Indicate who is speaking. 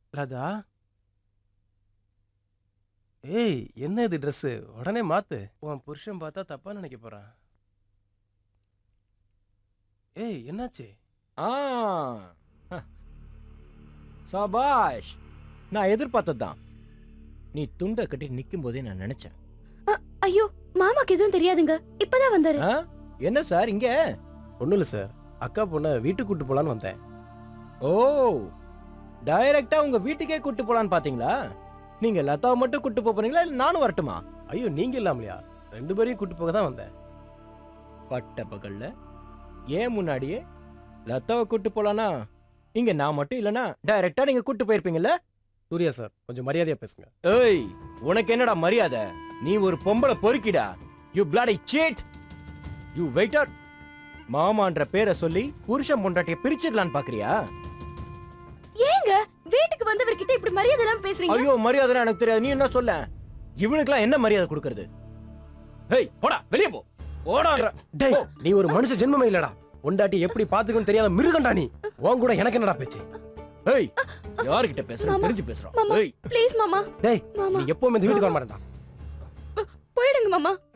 Speaker 1: ராதா, ஏய் என்ன இது Dress? உடனே மாத்து. உன் புருஷன் பார்த்தா தப்பா நினைக்க போறான். ஏய் என்னாச்சு?
Speaker 2: ஆ ஹ, சபாஷ். நான் எதிர்பார்த்ததுதான். நீ துண்டை கட்டி நிக்கும் போதே நான் நினைச்சேன்.
Speaker 3: ஐயோ மாமாக்கு எதுவும் தெரியாதுங்க, இப்பதான் வந்தாரு.
Speaker 2: ஆ? என்ன சார் இங்க?
Speaker 1: ஒண்ணும் இல்ல சார், அக்கா பொண்ண வீட்டுக்கு கூட்டு போலான்னு வந்தேன்.
Speaker 2: ஓ, டைரக்டா உங்க வீட்டுக்கே கூட்டு போலான்னு பாத்தீங்களா? நீங்க லதாவை மட்டும் கூட்டு போறீங்களா இல்ல நானும் வரட்டுமா?
Speaker 1: ஐயோ நீங்க இல்லாமலையா, 2 பேரையும் கூட்டு போக தான் வந்தேன்.
Speaker 2: பட்ட பகல்ல ஏன் முன்னாடியே லதாவை கூட்டு போலானா இங்க நான் மட்டும் இல்லனா டைரக்டா நீங்க கூட்டு போயிருப்பீங்கல்ல?
Speaker 1: சூர்யா சார் கொஞ்சம் மரியாதையா பேசுங்க.
Speaker 2: ஏய், உனக்கு என்னடா மரியாதை? நீ ஒரு பொம்பளை பொறுக்கிடா. You bloody cheat. You waiter. மாமான்ற பேரை சொல்லி புருஷன் பொண்டாட்டிய பிரிச்சிடலான்னு பாக்குறியா?
Speaker 3: ஏங்க வீட்டுக்கு வந்தவர்கிட்ட இப்படி மரியாதை எல்லாம் பேசுறீங்க?
Speaker 2: ஐயோ, மரியாதை எனக்கு தெரியாது. நீ என்ன சொல்ல? இவனுக்குலாம் என்ன மரியாதை கொடுக்கறது? ஏய் போடா, வெளிய போ. போடா.
Speaker 1: டேய் நீ ஒரு மனுஷ ஜென்மமே இல்லடா. பொண்டாட்டி எப்படி பாத்துக்கணும்னு தெரியாத மிருகண்டா நீ. உன் கூட எனக்கு என்னடா பேச்சு?
Speaker 2: ஏய், யார்கிட்ட பேசுற? தெரிஞ்சு பேசுறான்.
Speaker 3: மாமா
Speaker 2: ஏய்
Speaker 3: ப்ளீஸ் மாமா.
Speaker 1: டேய்
Speaker 3: மாமா
Speaker 1: நீ எப்பவுமே இந்த வீட்டுக்கு வர மாட்டேன்டா.
Speaker 3: போயிடுங்க மாமா.